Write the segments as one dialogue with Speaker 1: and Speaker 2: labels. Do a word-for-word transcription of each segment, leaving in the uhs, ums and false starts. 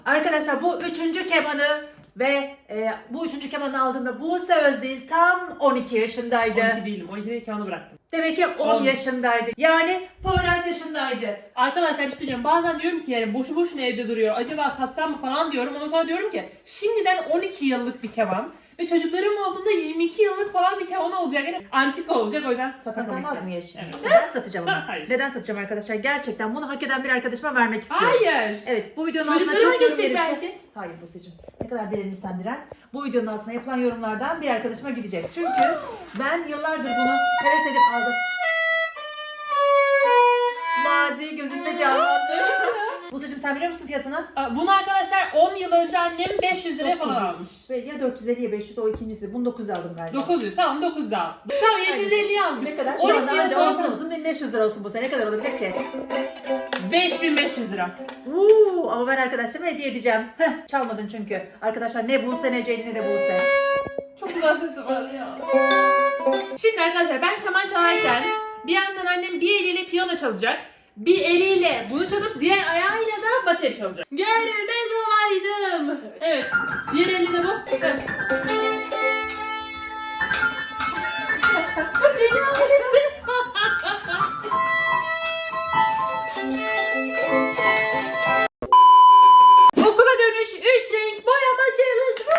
Speaker 1: Arkadaşlar bu üçüncü kemanı ve e, bu üçüncü kemanı aldığımda Buse Özdil tam on iki yaşındaydı.
Speaker 2: on iki değilim. on ikide kemanı bıraktım.
Speaker 1: Demek ki on, on yaşındaydı. Yani Poyraz yaşındaydı.
Speaker 2: Arkadaşlar bir şey söyleyeyim. Bazen diyorum ki yani boşu boşuna evde duruyor. Acaba satsam mı falan diyorum ama sonra diyorum ki şimdiden on iki yıllık bir keman ve çocuklarım olduğunda yirmi iki yıllık falan bir keman olacak. Yani antika olacak, o yüzden satamak
Speaker 1: Satamaz mı
Speaker 2: istedim.
Speaker 1: yaşını?
Speaker 2: Evet.
Speaker 1: Neden satacağım onu?
Speaker 2: Hayır.
Speaker 1: Neden satacağım arkadaşlar? Gerçekten bunu hak eden bir arkadaşıma vermek istiyorum.
Speaker 2: Hayır.
Speaker 1: Evet, bu videonun altına
Speaker 2: Çocuklarıma
Speaker 1: çok yorum
Speaker 2: geçecek
Speaker 1: gelirse...
Speaker 2: belki.
Speaker 1: Hayır Buse'cim, ne kadar direnirsen diren. Bu videonun altına yapılan yorumlardan bir arkadaşıma gidecek. Çünkü ben yıllardır bunu heves edip aldım. Mazi gözümde canlandı. Buse'cim sen biliyor musun fiyatını?
Speaker 2: Bunu arkadaşlar on yıl önce annem beş yüz liraya falan almış.
Speaker 1: Ve ya dört yüz elli ya beş yüz, o ikincisi. Bunu dokuz yüz aldım galiba.
Speaker 2: dokuz yüz, tamam dokuz yüz al. Tamam yedi yüz elliye almış.
Speaker 1: Ne kadar?
Speaker 2: on
Speaker 1: Şu
Speaker 2: iki
Speaker 1: anda
Speaker 2: yıl
Speaker 1: anca olsun
Speaker 2: sonra
Speaker 1: olsun bin beş yüz lira olsun Buse. Ne kadar olabilir ki?
Speaker 2: beş bin beş yüz lira.
Speaker 1: Uuu, ama ben arkadaşlarıma hediye edeceğim. Heh, çalmadın çünkü. Arkadaşlar ne Buse ne Ceylin ne de Buse.
Speaker 2: Çok güzel sesi var ya. Şimdi arkadaşlar ben keman çalarken bir yandan annem bir eliyle piyano çalacak. Bir eliyle bunu çalıp diğer ayağıyla da bateri çalacak. Görmez olaydım. Evet. Diğer eliyle de bu. Evet. Deli ailesi. Okula dönüş üç renk boyama challenge.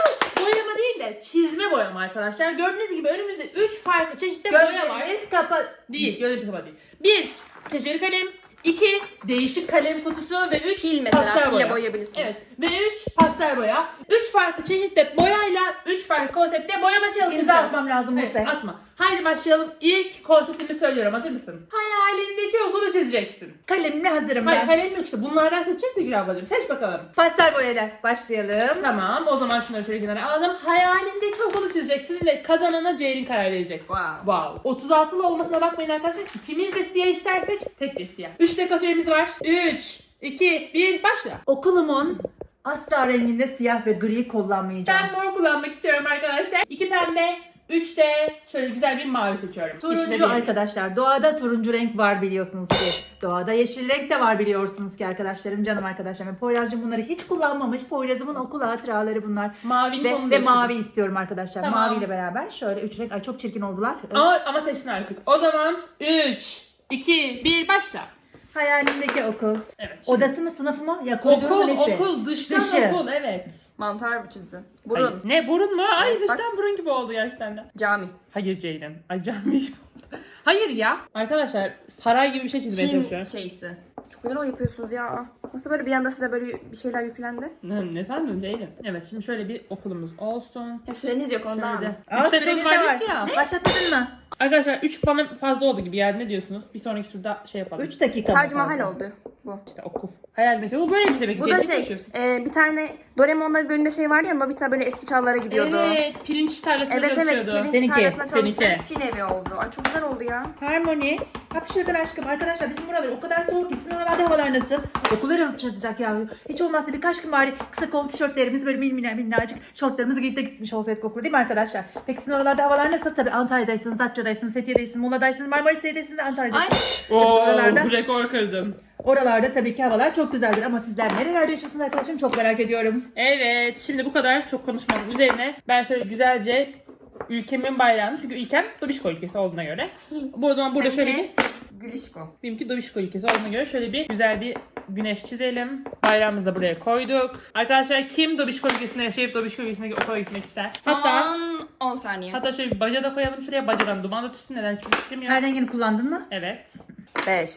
Speaker 2: Boyama değil de çizme boyama arkadaşlar. Gördüğünüz gibi önümüzde üç farklı çeşitli boya var.
Speaker 1: Gözleriniz kapat.
Speaker 2: Değil, gözlerimiz kapalı değil. Bir, keçeli kalem. iki, değişik kalem kutusu ve üç,
Speaker 3: Pil mesela,
Speaker 2: pastel
Speaker 3: pille
Speaker 2: boya.
Speaker 3: boyayabilirsiniz.
Speaker 2: Evet, ve üç, pastel boya. üç farklı çeşitli boyayla üç farklı konseptte boyama çalışacağız.
Speaker 1: İmza atmam lazım
Speaker 2: Evet,
Speaker 1: Buse.
Speaker 2: atma. Haydi başlayalım. İlk konseptimi söylüyorum. Hazır mısın? Hayalindeki okulu çizeceksin.
Speaker 1: Kalemle hazırım
Speaker 2: Hayır,
Speaker 1: ben.
Speaker 2: kalem yok işte. Bunlardan seçeceğiz de Gül ablacığım. Seç bakalım.
Speaker 1: Pastel boyayla başlayalım.
Speaker 2: Tamam, o zaman şunları şöyle kenara alalım. Hayalindeki okulu çizeceksin ve kazanana Ceylin karar verecek.
Speaker 3: Wow.
Speaker 2: Wow. otuz altılı olmasına bakmayın arkadaşlar. İkimiz de siyah istersek tek bir siyah. üç dakika süremiz var. üç, iki, bir, başla.
Speaker 1: Okulumun asla renginde siyah ve gri kullanmayacağım.
Speaker 2: Ben mor kullanmak istiyorum arkadaşlar. iki pembe, üç de şöyle güzel bir mavi seçiyorum. İşine
Speaker 1: Turuncu
Speaker 2: değeriz.
Speaker 1: arkadaşlar. Doğada turuncu renk var biliyorsunuz ki. Doğada yeşil renk de var biliyorsunuz ki arkadaşlarım, canım arkadaşlarım. Poyraz'cığım bunları hiç kullanmamış. Poyraz'ımın okul hatıraları bunlar.
Speaker 2: Mavinin
Speaker 1: Ve,
Speaker 2: tonunu
Speaker 1: ve
Speaker 2: değiştirdim.
Speaker 1: mavi istiyorum arkadaşlar.
Speaker 2: Tamam.
Speaker 1: Maviyle beraber şöyle üç renk. Ay çok çirkin oldular.
Speaker 2: Ama, ama seçtin artık. O zaman üç, iki, bir, başla.
Speaker 1: Hayalimdeki okul.
Speaker 2: Evet. şimdi-
Speaker 1: Odası mı, sınıfı mı? Ya koridoru mu,
Speaker 2: Okul,
Speaker 1: nesi?
Speaker 2: okul, dıştan
Speaker 1: Dışı.
Speaker 2: okul, evet.
Speaker 3: Mantar mı çizdin?
Speaker 2: Hayır.
Speaker 3: Burun.
Speaker 2: Ne burun mu? Ay
Speaker 3: Evet,
Speaker 2: dıştan
Speaker 3: bak.
Speaker 2: burun gibi oldu gerçekten de.
Speaker 3: Cami.
Speaker 2: Hayır Ceylin. Ay cami gibi oldu. Hayır ya. Arkadaşlar saray gibi bir şey çizmeye
Speaker 3: Çin
Speaker 2: çalışıyorum.
Speaker 3: şeysi. Çok güzel o yapıyorsunuz ya. Nasıl böyle bir anda size böyle bir şeyler yüklendi?
Speaker 2: Ne, ne sandın Ceylin? Evet şimdi şöyle bir okulumuz olsun.
Speaker 3: Ya süreniz yok
Speaker 2: Şöyle de.
Speaker 1: Aa,
Speaker 2: üç
Speaker 1: süreniz
Speaker 2: dakikamız
Speaker 1: de
Speaker 2: var
Speaker 1: var.
Speaker 2: dedik ya.
Speaker 1: Başlatmadın mı?
Speaker 2: Arkadaşlar üç bana fazla oldu gibi yani, ne diyorsunuz? Bir sonraki turda şey yapalım.
Speaker 1: üç dakika mı
Speaker 3: Tac Mahal
Speaker 1: fazla?
Speaker 3: oldu bu.
Speaker 2: İşte okul. Hayal mekanı. Bu böyle bir demek.
Speaker 3: Bu da
Speaker 2: Ceylin
Speaker 3: şey,
Speaker 2: konuşuyorsun.
Speaker 3: e, bir tane Doraemon'da bir bölümde şey vardı ya, Nobita böyle eski çağlara gidiyordu.
Speaker 2: Evet, pirinç tarlasında
Speaker 3: Evet evet,
Speaker 2: çalışıyordu.
Speaker 3: pirinç
Speaker 1: Seninki,
Speaker 3: tarlasında çalıştı.
Speaker 2: seninki.
Speaker 3: Çin evi oldu. Ay çok güzel oldu ya.
Speaker 1: Harmony. Hapşırdan aşkım. Arkadaşlar bizim buralar o kadar soğuk ki, sizin oralarda havalar nasıl? Okullar alışacak ya. Hiç olmazsa birkaç gün bari kısa kol tişörtlerimiz, böyle min min minnacık şortlarımızı giyip de gitmiş olsaydık okula, değil mi arkadaşlar? Peki sizin oralarda havalar nasıl? Tabii Antalya'daysınız, Datça'daysınız, Fethiye'deysiniz, Muğla'daysınız, Marmaris'teysiniz, Antalya'daysınız.
Speaker 3: Ay.
Speaker 2: Oo,
Speaker 1: Oralarda,
Speaker 2: rekor kırdım.
Speaker 1: oralarda tabii ki havalar çok güzeldir ama sizler nerelerde yaşıyorsunuz arkadaşım, çok merak ediyorum.
Speaker 2: Evet, şimdi bu kadar çok konuşmanın üzerine ben şöyle güzelce ülkemin bayrağını, çünkü ülkem Dobişko ülkesi olduğuna göre. Bu o zaman burada şöyle bir,
Speaker 3: Gülüşko.
Speaker 2: benimki Dobişko ülkesi olduğuna göre şöyle bir güzel bir güneş çizelim. Bayrağımızı da buraya koyduk. Arkadaşlar kim Dobişko ülkesinde yaşayıp Dobişko ülkesine okula gitmek ister? Hatta
Speaker 3: Son on saniye.
Speaker 2: hatta şöyle bir baca da koyalım şuraya. Bacadan duman da tutsun. Neden hiçbir fikrim yok.
Speaker 1: Her rengini kullandın mı?
Speaker 2: Evet.
Speaker 3: beş.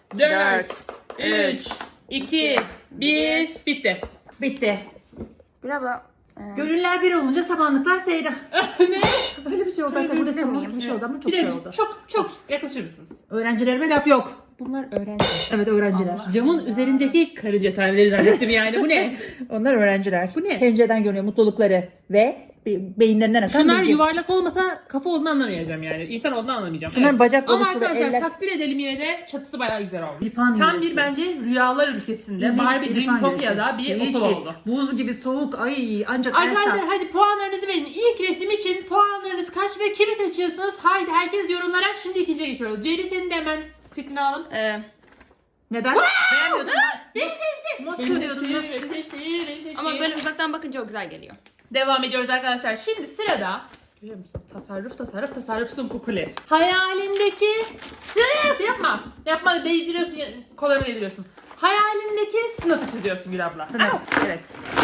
Speaker 2: dört, üç,
Speaker 3: üç,
Speaker 2: iki, bir, bitti.
Speaker 1: Bitti.
Speaker 3: Bir abla. e,
Speaker 1: Gönüller bir olunca samanlıklar seyre.
Speaker 2: Ne?
Speaker 1: Öyle bir şey oldu.
Speaker 3: Şey
Speaker 1: Zaten burada
Speaker 3: diyebilir miyim?
Speaker 1: samanlık bir şey oldu ama çok
Speaker 2: Bir
Speaker 1: şey
Speaker 2: de
Speaker 1: oldu.
Speaker 2: çok çok yaklaşır mısınız?
Speaker 1: Öğrencilerime laf yok.
Speaker 2: Bunlar öğrenci.
Speaker 1: Evet öğrenciler.
Speaker 2: Camın üzerindeki karınca taneleri zannettim yani. Bu ne?
Speaker 1: Onlar öğrenciler.
Speaker 2: Bu ne?
Speaker 1: Pencereden görünüyor mutlulukları ve be- beyinlerinden akan
Speaker 2: Şunlar
Speaker 1: bilgi.
Speaker 2: yuvarlak olmasa kafa olduğunu anlamayacağım yani. İnsan olduğunu anlamayacağım.
Speaker 1: Şunların
Speaker 2: Evet.
Speaker 1: bacak
Speaker 2: Ama
Speaker 1: oluşu ve
Speaker 2: arkadaşlar
Speaker 1: eller.
Speaker 2: takdir edelim, yine de çatısı bayağı güzel olmuş.
Speaker 1: İrfan
Speaker 2: Tam
Speaker 1: yöresi.
Speaker 2: bir bence rüyalar ülkesinde
Speaker 1: İrfan-
Speaker 2: Barbie
Speaker 1: İrfan
Speaker 2: Dreamtopia'da
Speaker 1: yöresi.
Speaker 2: bir
Speaker 1: Hiç
Speaker 2: okul
Speaker 1: değil.
Speaker 2: oldu.
Speaker 1: Buz gibi soğuk. Ay ancak
Speaker 2: Arkadaşlar
Speaker 1: Ersan.
Speaker 2: hadi puanlarınızı verin. İlk resim için puanlarınız kaç ve kimi seçiyorsunuz? Haydi herkes yorumlara. Şimdi ikinciye geçiyoruz. Ceyli senin de hemen fikrini alalım.
Speaker 3: e,
Speaker 1: Neden? Beğenmiyordun.
Speaker 2: Beni seçti.
Speaker 1: Nasıl
Speaker 2: Beni
Speaker 1: görüyordun?
Speaker 2: seçti, beni seçti, beni seçti.
Speaker 3: Ama böyle uzaktan bakınca o güzel geliyor.
Speaker 2: Devam ediyoruz arkadaşlar. Şimdi sırada görüyor musunuz? Tasarruf, tasarruf, tasarruf Sunkukuli. Hayalindeki sınıf yapma. Yapma, değdiriyorsun, kollarını değdiriyorsun. Hayalindeki sınıfı çiziyorsun Gül abla.
Speaker 1: Sınıf.
Speaker 2: Au.
Speaker 1: Evet.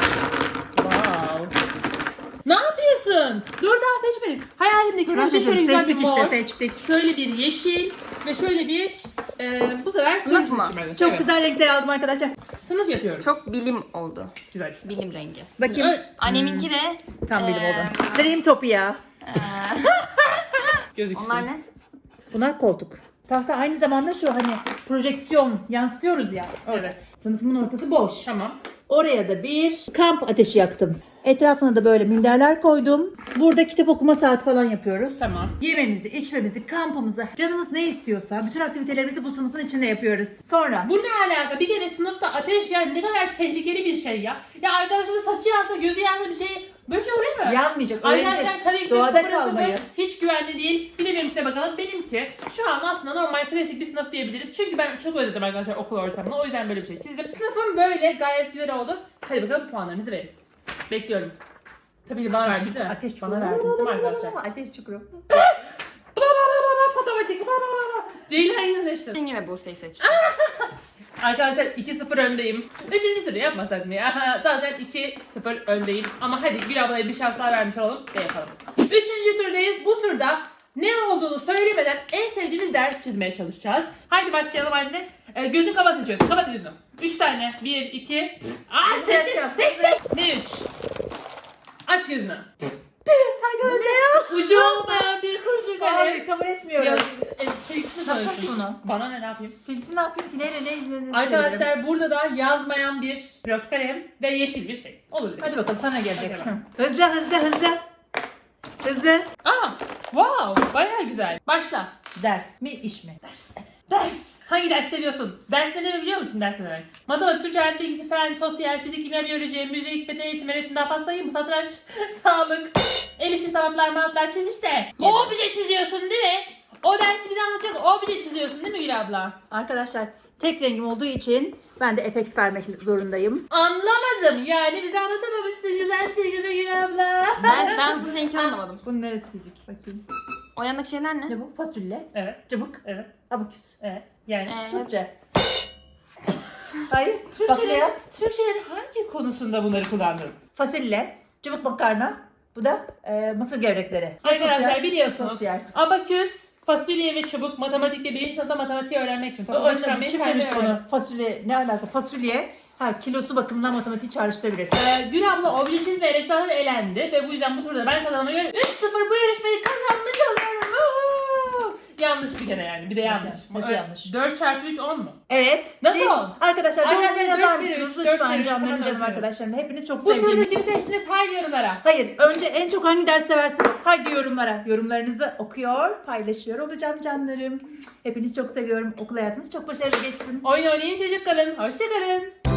Speaker 2: Wow. Ne yapıyorsun? Dur daha seçmedik. Hayalimdeki
Speaker 1: Sınıf
Speaker 2: sınıfı şöyle güzel bir
Speaker 1: seçtik
Speaker 2: mor.
Speaker 1: işte seçtik.
Speaker 2: Şöyle bir yeşil ve şöyle bir e, bu sefer
Speaker 3: Sınıf
Speaker 2: turuncu
Speaker 3: mı?
Speaker 2: seçim.
Speaker 1: Çok
Speaker 2: Evet.
Speaker 1: güzel renkler aldım arkadaşlar.
Speaker 2: Sınıf yapıyoruz.
Speaker 3: Çok bilim oldu.
Speaker 2: güzel işte.
Speaker 3: Bilim rengi.
Speaker 1: Bakayım.
Speaker 2: Ö-
Speaker 3: Anneminki de
Speaker 1: Tam bilim
Speaker 3: Ee,
Speaker 1: oldu. Dreamtopia.
Speaker 3: eee,
Speaker 2: Gözüksün.
Speaker 3: onlar ne?
Speaker 1: Bunlar koltuk. Tahta aynı zamanda şu hani projeksiyon yansıtıyoruz ya.
Speaker 2: Evet.
Speaker 1: Sınıfımın ortası boş.
Speaker 2: Tamam.
Speaker 1: Oraya da bir kamp ateşi yaktım. Etrafına da böyle minderler koydum. Burada kitap okuma saati falan yapıyoruz.
Speaker 2: Tamam.
Speaker 1: Yememizi, içmemizi, kampımızı, canımız ne istiyorsa bütün aktivitelerimizi bu sınıfın içinde yapıyoruz. Sonra
Speaker 2: Bu ne alaka? Bir kere sınıfta ateş yani ne kadar tehlikeli bir şey ya. Ya arkadaşının saçı yansa, gözü yansa bir şey böyle bir şey olur mu?
Speaker 1: yanmayacak.
Speaker 2: Arkadaşlar
Speaker 1: öğreneceğiz.
Speaker 2: tabii ki de
Speaker 1: Doğada
Speaker 2: sıfıra
Speaker 1: kalmayı.
Speaker 2: sıfır hiç güvenli değil. Bir de benimkine bakalım. Benimki şu an aslında normal klasik bir sınıf diyebiliriz. Çünkü ben çok özledim arkadaşlar okul ortamını. O yüzden böyle bir şey çizdim. Sınıfım böyle gayet güzel oldu. Hadi bakalım puanlarınızı verin. Bekliyorum. Tabii ki bana verdiniz değil mi?
Speaker 1: Ateş
Speaker 2: Bana verdiniz değil mi arkadaşlar?
Speaker 1: Ateş çukuru.
Speaker 2: Fotomatik. Ceylin hangisini seçtin?
Speaker 3: Ben yine Buse'yi seçtim.
Speaker 2: Arkadaşlar iki sıfır öndeyim. Üçüncü turu yapmasak mı ya? Zaten iki sıfır öndeyim. Ama hadi Gül ablaya bir şans daha vermiş olalım ve yapalım. Üçüncü turdayız. Bu turda ne olduğunu söylemeden en sevdiğimiz ders çizmeye çalışacağız. Haydi başlayalım anne. Ee, gözün kapat seçiyorsun. Kapat gözünü. Üç tane. Bir, iki. Aa seçtik. Seçtik. Ne üç? Aç gözünü. Arkadaşlar ucu olmayan bir kurşun kalem.
Speaker 1: Hayır kabul etmiyorum.
Speaker 2: Ya, e, sevgisini
Speaker 1: Ne yapacağım
Speaker 2: tanıyorsun.
Speaker 1: ki bunu?
Speaker 2: Bana ne, ne yapayım?
Speaker 1: Silgisi ne yapayım ki? Neyle ne? ne- ne
Speaker 2: Arkadaşlar
Speaker 1: söylerim?
Speaker 2: burada da yazmayan bir pilot kalem ve yeşil bir şey. Olur.
Speaker 1: Hadi bakalım sana gelecek.
Speaker 2: Hadi bakalım.
Speaker 1: Hı. Hızlı hızlı hızlı. Hızlı.
Speaker 2: Aa, wow, bayağı güzel. Başla.
Speaker 1: Ders mi iş mi?
Speaker 2: Ders. Ders. Hangi ders seviyorsun? Ders ne demek biliyor musun ders ne demek? Matematik, Türkçe, hayat bilgisi, fen, sosyal, fizik, kimya, biyoloji, müzik, beden eğitimi, resim, daha fazla sayayım mı? Satranç, sağlık, el işi sanatlar, manatlar çiz işte. Obje çiziyorsun değil mi? O dersi bize anlatacak obje çiziyorsun değil mi Gül abla?
Speaker 1: Arkadaşlar tek rengim olduğu için ben de efekt vermek zorundayım.
Speaker 2: Anlamadım yani bize anlatamamışsın güzel bir şey güzel Gül abla.
Speaker 3: Ben, ben aslında seninkini anlamadım.
Speaker 1: Bunun neresi fizik? Bakayım.
Speaker 3: O yandaki şeyler ne?
Speaker 1: Ne bu? Fasulye,
Speaker 2: Evet,
Speaker 1: cıbık,
Speaker 2: evet,
Speaker 1: abaküs.
Speaker 2: evet. Yani
Speaker 3: Ee,
Speaker 1: Türkçe. Hayır.
Speaker 2: Türkçenin,
Speaker 1: Bakliyat.
Speaker 2: Türkçenin hangi konusunda bunları kullandın?
Speaker 1: Fasulye, cıbık makarna. Bu da e, mısır gevrekleri.
Speaker 2: Arkadaşlar
Speaker 1: Sosyal,
Speaker 2: biliyorsunuz
Speaker 1: Sosyal.
Speaker 2: abaküs, fasulye ve çubuk matematikte birinci sınıfta matematiği öğrenmek için.
Speaker 1: O
Speaker 2: Toplama
Speaker 1: yüzden
Speaker 2: çıkarmayı
Speaker 1: kim
Speaker 2: kendine
Speaker 1: demiş
Speaker 2: öğren.
Speaker 1: bunu? Fasulye ne alaka? Fasulye ha kilosu bakımından matematiği çağrıştırabilir.
Speaker 2: Ee, Gül abla obje çizmeyerek zaten elendi ve bu yüzden bu turda ben kazanmaya göre üç sıfır bu yarışmayı kazanmış oluyorum. Woohoo! Yanlış bir kere yani bir de yanlış.
Speaker 1: Nasıl
Speaker 2: Ee,
Speaker 1: yanlış?
Speaker 2: dört çarpı üç on mu?
Speaker 1: Evet.
Speaker 2: Nasıl
Speaker 1: Değil-
Speaker 2: on?
Speaker 1: Arkadaşlar
Speaker 2: Arkadaşlar,
Speaker 1: doğrusunu yazar
Speaker 2: dört kere
Speaker 1: mısınız?
Speaker 2: üç, dört kere
Speaker 1: Lütfen
Speaker 2: üç,
Speaker 1: canlarım
Speaker 2: bana
Speaker 1: canım
Speaker 2: dört
Speaker 1: arkadaşlarım. Hepiniz çok
Speaker 2: Bu turda
Speaker 1: sevdiğim.
Speaker 2: kimi seçtiniz? Haydi yorumlara.
Speaker 1: Hayır. Önce en çok hangi ders seversiniz? Haydi yorumlara. Yorumlarınızı okuyor, paylaşıyor olacağım canlarım. Hepiniz çok seviyorum. Okul hayatınız çok başarılı geçsin.
Speaker 2: Oyun oynayın çocuk kalın. Hoşça kalın.